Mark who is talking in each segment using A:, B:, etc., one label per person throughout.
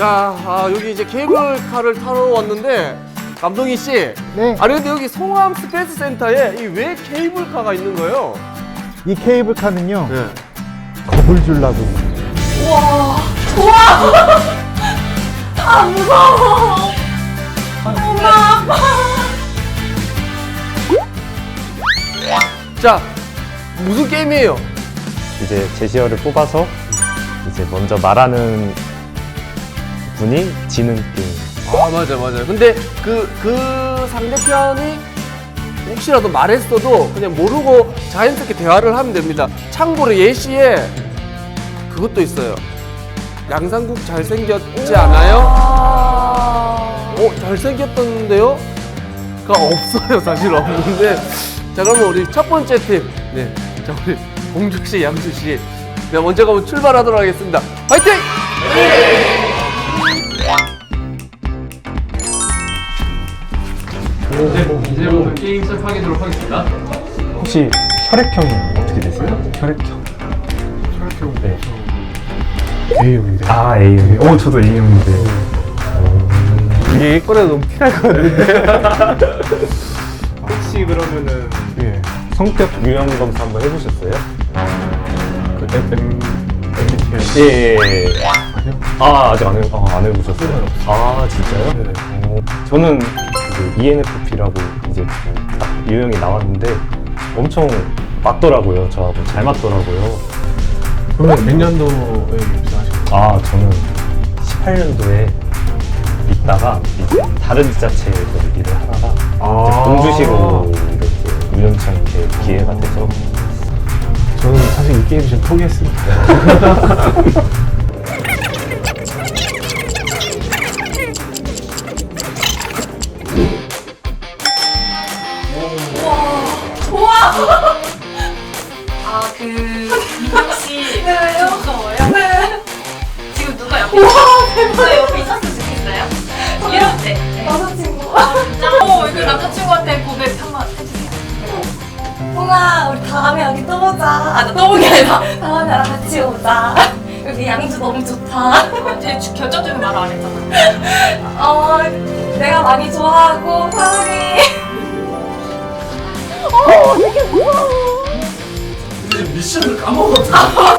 A: 자, 여기 이제 케이블카를 타러 왔는데 감독희 씨.
B: 네.
A: 아니 근데 여기 송암 스페이스 센터에 이 왜 케이블카가 있는 거예요?
B: 이 케이블카는요,
A: 네.
B: 겁을 주려고.
C: 우와. 우와. 아, 무서워. 엄마, 아빠.
A: 자, 무슨 게임이에요?
D: 이제 제시어를 뽑아서 이제 먼저 말하는 분이 지는 게임.
A: 아, 맞아요. 근데 그 상대편이 혹시라도 말했어도 그냥 모르고 자연스럽게 대화를 하면 됩니다. 참고로 예시에 그것도 있어요. 양상국 잘생겼지 않아요? 잘생겼던데요? 가 없어요. 사실 없는데. 자, 그러면 우리 첫 번째 팀. 네. 자, 우리 공주씨, 양주씨. 네, 먼저 가면 출발하도록 하겠습니다. 화이팅! 이제부터 게임 시작하도록 하겠습니다.
D: 혹시 혈액형이 어떻게 되세요? 혈액형.
E: 혈액형
D: 네.
E: A형인데.
D: 아, A형. 저도 A형인데.
B: 이게 일거리가 너무 티날 것 같은데.
D: 혹시 그러면은
E: 예.
D: 성격 유형 검사 한번 해보셨어요?
E: 그 MBTI.
D: 예.
E: 아니요.
D: 아직 안 해보셨어요? 아, 진짜요?
E: 네.
D: 저는 그 ENFP라고 이제 딱 유형이 나왔는데 엄청 맞더라고요. 저하고 잘 맞더라고요.
E: 그러면 몇 년도에 입사하신 거예요?
D: 아, 저는 18년도에 있다가 이제 다른 지자체에서 일을 하다가 이제 공주시로 이렇게 우연찮게 기회가 돼서
E: 저는 사실 이 게임 지금 포기했습니다.
C: 아, 민경 씨.
F: 네, 왜요?
C: 무서워요?
F: 네.
C: 지금 누가 옆에 누가 옆에 있었으면 좋겠어요? 이럴 때.
F: 남자친구.
C: 진짜? 그 남자친구한테 고백 한번 해주세요.
F: 홍아, 우리 다음에 여기 또 보자. 아, 나 또 보기 아니라 다음에 나랑 같이 오자. 여기 양주 너무 좋다.
C: 제 결정적인 말을 안 했잖아.
F: 내가 많이 좋아하고 사랑해. 되게 무서워.
A: 미션을 까먹었어.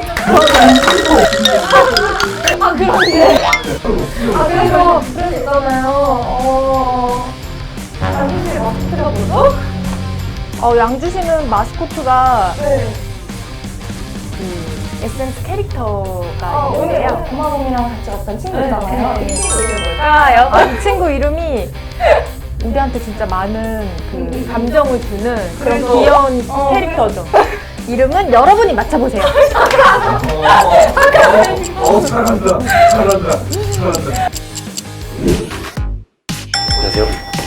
F: 그런데. 그래서 그런 있잖아요. 양주시 마스크가 뭐죠?
G: 양주시는 마스코트가
F: 네.
G: 그 에센스 캐릭터가
F: 오늘
G: 있는데요.
F: 고마동이랑 같이 왔던 친구잖아요. 이 친구 이름
G: 이 친구 이름이 우리한테 진짜 많은 그 감정을 주는 그런 귀여운 캐릭터죠. 이름은 여러분이 맞춰보세요.
A: 잘한다.
H: 안녕하세요.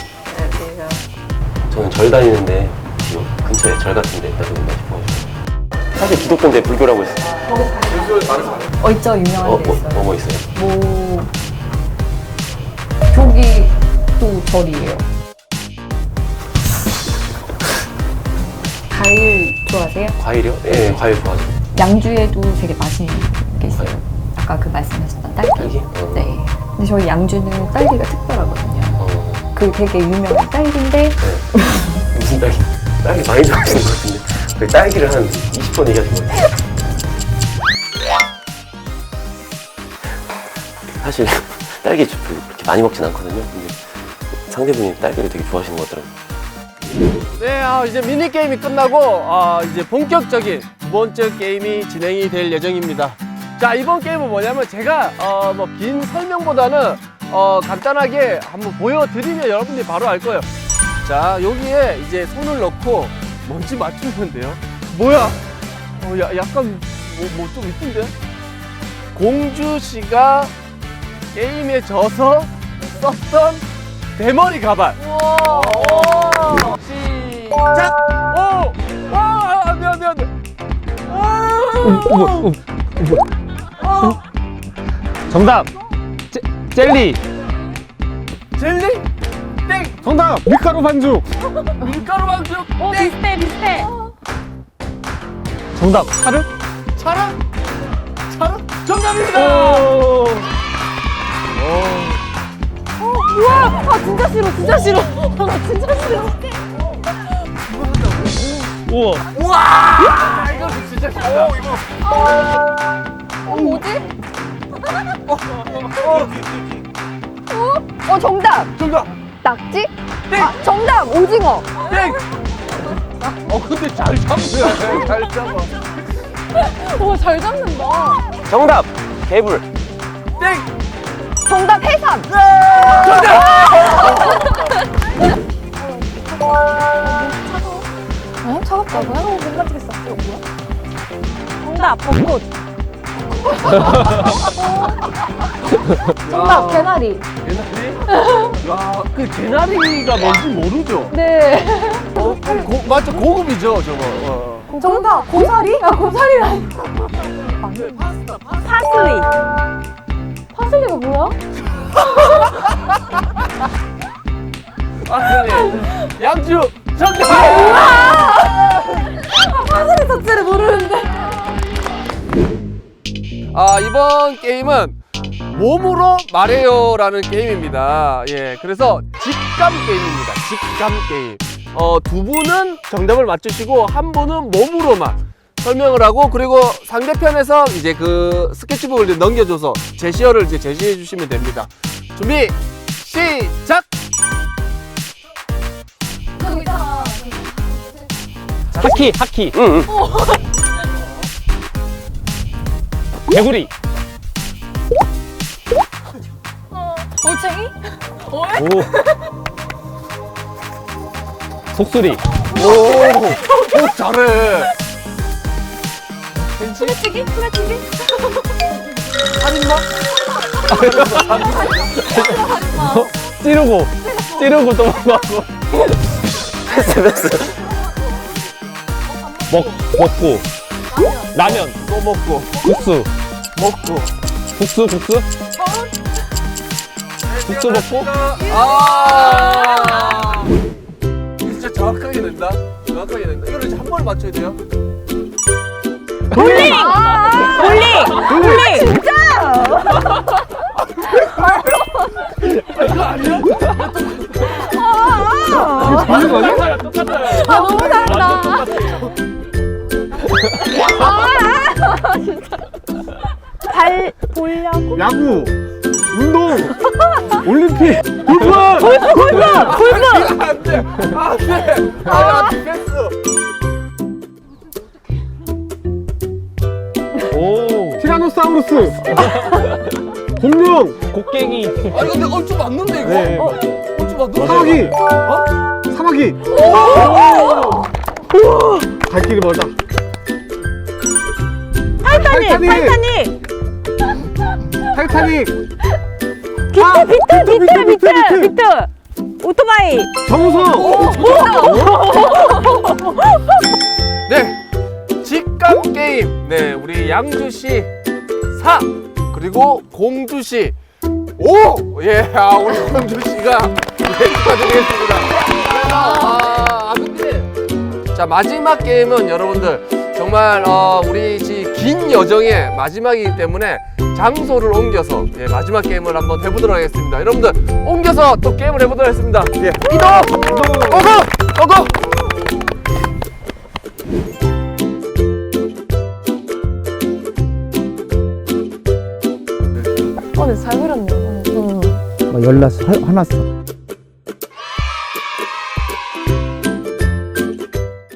H: 저는 절 다니는데 근처에 절 같은 데 있다 보니까 싶어가지고 사실 기독교인데 불교라고 했어요.
G: 있죠, 유명한 데 있어요.
H: 뭐 있어요?
G: 뭐 저기도 절이에요. 과일 좋아하세요?
H: 과일이요? 예, 과일 좋아하죠.
G: 양주에도 되게 맛있는 게 있어요. 아까 그 말씀하셨던 딸기.
H: 딸기?
G: 네. 근데 저희 양주는 딸기가 특별하거든요. 그 되게 유명한 딸기인데
H: 네. 무슨 딸기? 딸기 많이 좋아하시는 것 같은데 그 딸기를 한 20번 얘기하신 것 같아요. 사실 딸기 그렇게 많이 먹진 않거든요. 근데 상대분이 딸기를 되게 좋아하시는 것 같더라고요.
A: 네, 이제 미니게임이 끝나고 이제 본격적인 두 번째 게임이 진행이 될 예정입니다. 자, 이번 게임은 뭐냐면 제가 뭐 긴 설명보다는 간단하게 한번 보여드리면 여러분들이 바로 알 거예요. 자, 여기에 이제 손을 넣고 뭔지 맞추면 돼요. 뭐야? 약간 뭐 좀 이쁜데? 공주 씨가 게임에 져서 썼던 대머리 가발. 시작! 안 돼.
D: 정답! 젤리!
A: 젤리? 땡!
D: 정답! 밀가루 반죽!
A: 밀가루 반죽?
G: 비슷해.
D: 정답! 차르?
A: 차랑? 정답입니다!
G: 우와, 아 진짜 싫어, 진짜 싫어. 아 진짜 싫어.
D: 우와.
A: 우와! 이거 진짜 싫다.
G: 뭐지? 정답.
A: 정답!
G: 낙지?
A: 땡!
G: 아, 정답 오징어.
A: 땡! 근데 잘 잡네. 잘 잡아.
G: 와, 잘 잡는다.
H: 정답! 개불.
A: 땡!
G: 정답 해삼. 어? 차갑다고요? 못 맞추겠어. 이거 뭐야? 정답 벚꽃. 정답 개나리.
A: 개나리? 야, 그 개나리가 뭔지 모르죠?
G: 네.
A: 맞죠? 고급이죠, 저거.
G: 정답 고사리? 아 고사리라니. 파슬리. 파슬리가 뭐야?
A: 네. 양주 정답!
G: 파슬리 자체를 모르는데.
A: 이번 게임은 몸으로 말해요라는 게임입니다. 예, 그래서 직감 게임입니다. 직감 게임. 두 분은 정답을 맞추시고 한 분은 몸으로만 설명을 하고, 그리고 상대편에서 이제 그 스케치북을 이제 넘겨줘서 제시어를 이제 제시해 주시면 됩니다. 준비 시작.
D: 하키.
H: 응.
D: 개구리.
G: 올챙이?
D: 오. 속수리.
A: 오, 잘해.
G: 소매치기? 소매치기?
A: 살인마?
D: 찌르고 도망가고.
H: 패스.
D: 먹고. 라면.
A: 또 먹고
D: 국수.
A: 먹고.
D: 국수 먹고.
A: 진짜 정확하게 낸다. 정확하게 낸다. 이거를 이제 한 번에 맞춰야 돼요.
G: 볼링! 볼링! 진짜!
A: 이거 아니야?
G: 너무 잘한다. 진짜. 발 보려고?
B: 야구, 운동, 올림픽, 골프!
A: 안 돼. 안 돼. 패스.
D: 오.
B: 티라노사우루스, 공룡,
D: 곡괭이.
A: 아니 근데 얼추 맞는데 이거?
B: 네.
A: 얼추 맞는데?
B: 사마귀, 사마귀. 갈 길이 멀다. 타이타닉.
G: 비트! 오토바이!
B: 정우성.
A: 네, 직감 게임. 네, 우리 양주시 4 그리고 공주시 5. 예, 우리 공주시가 축하드리겠습니다. 근데 자, 마지막 게임은 여러분들 정말 우리 긴 여정의 마지막이기 때문에 장소를 옮겨서 마지막 게임을 한번 해보도록 하겠습니다. 여러분들 옮겨서 또 게임을 해보도록 하겠습니다. 예, 이동! 고고!
G: 근데 잘 그렸네.
B: 연락 화났어.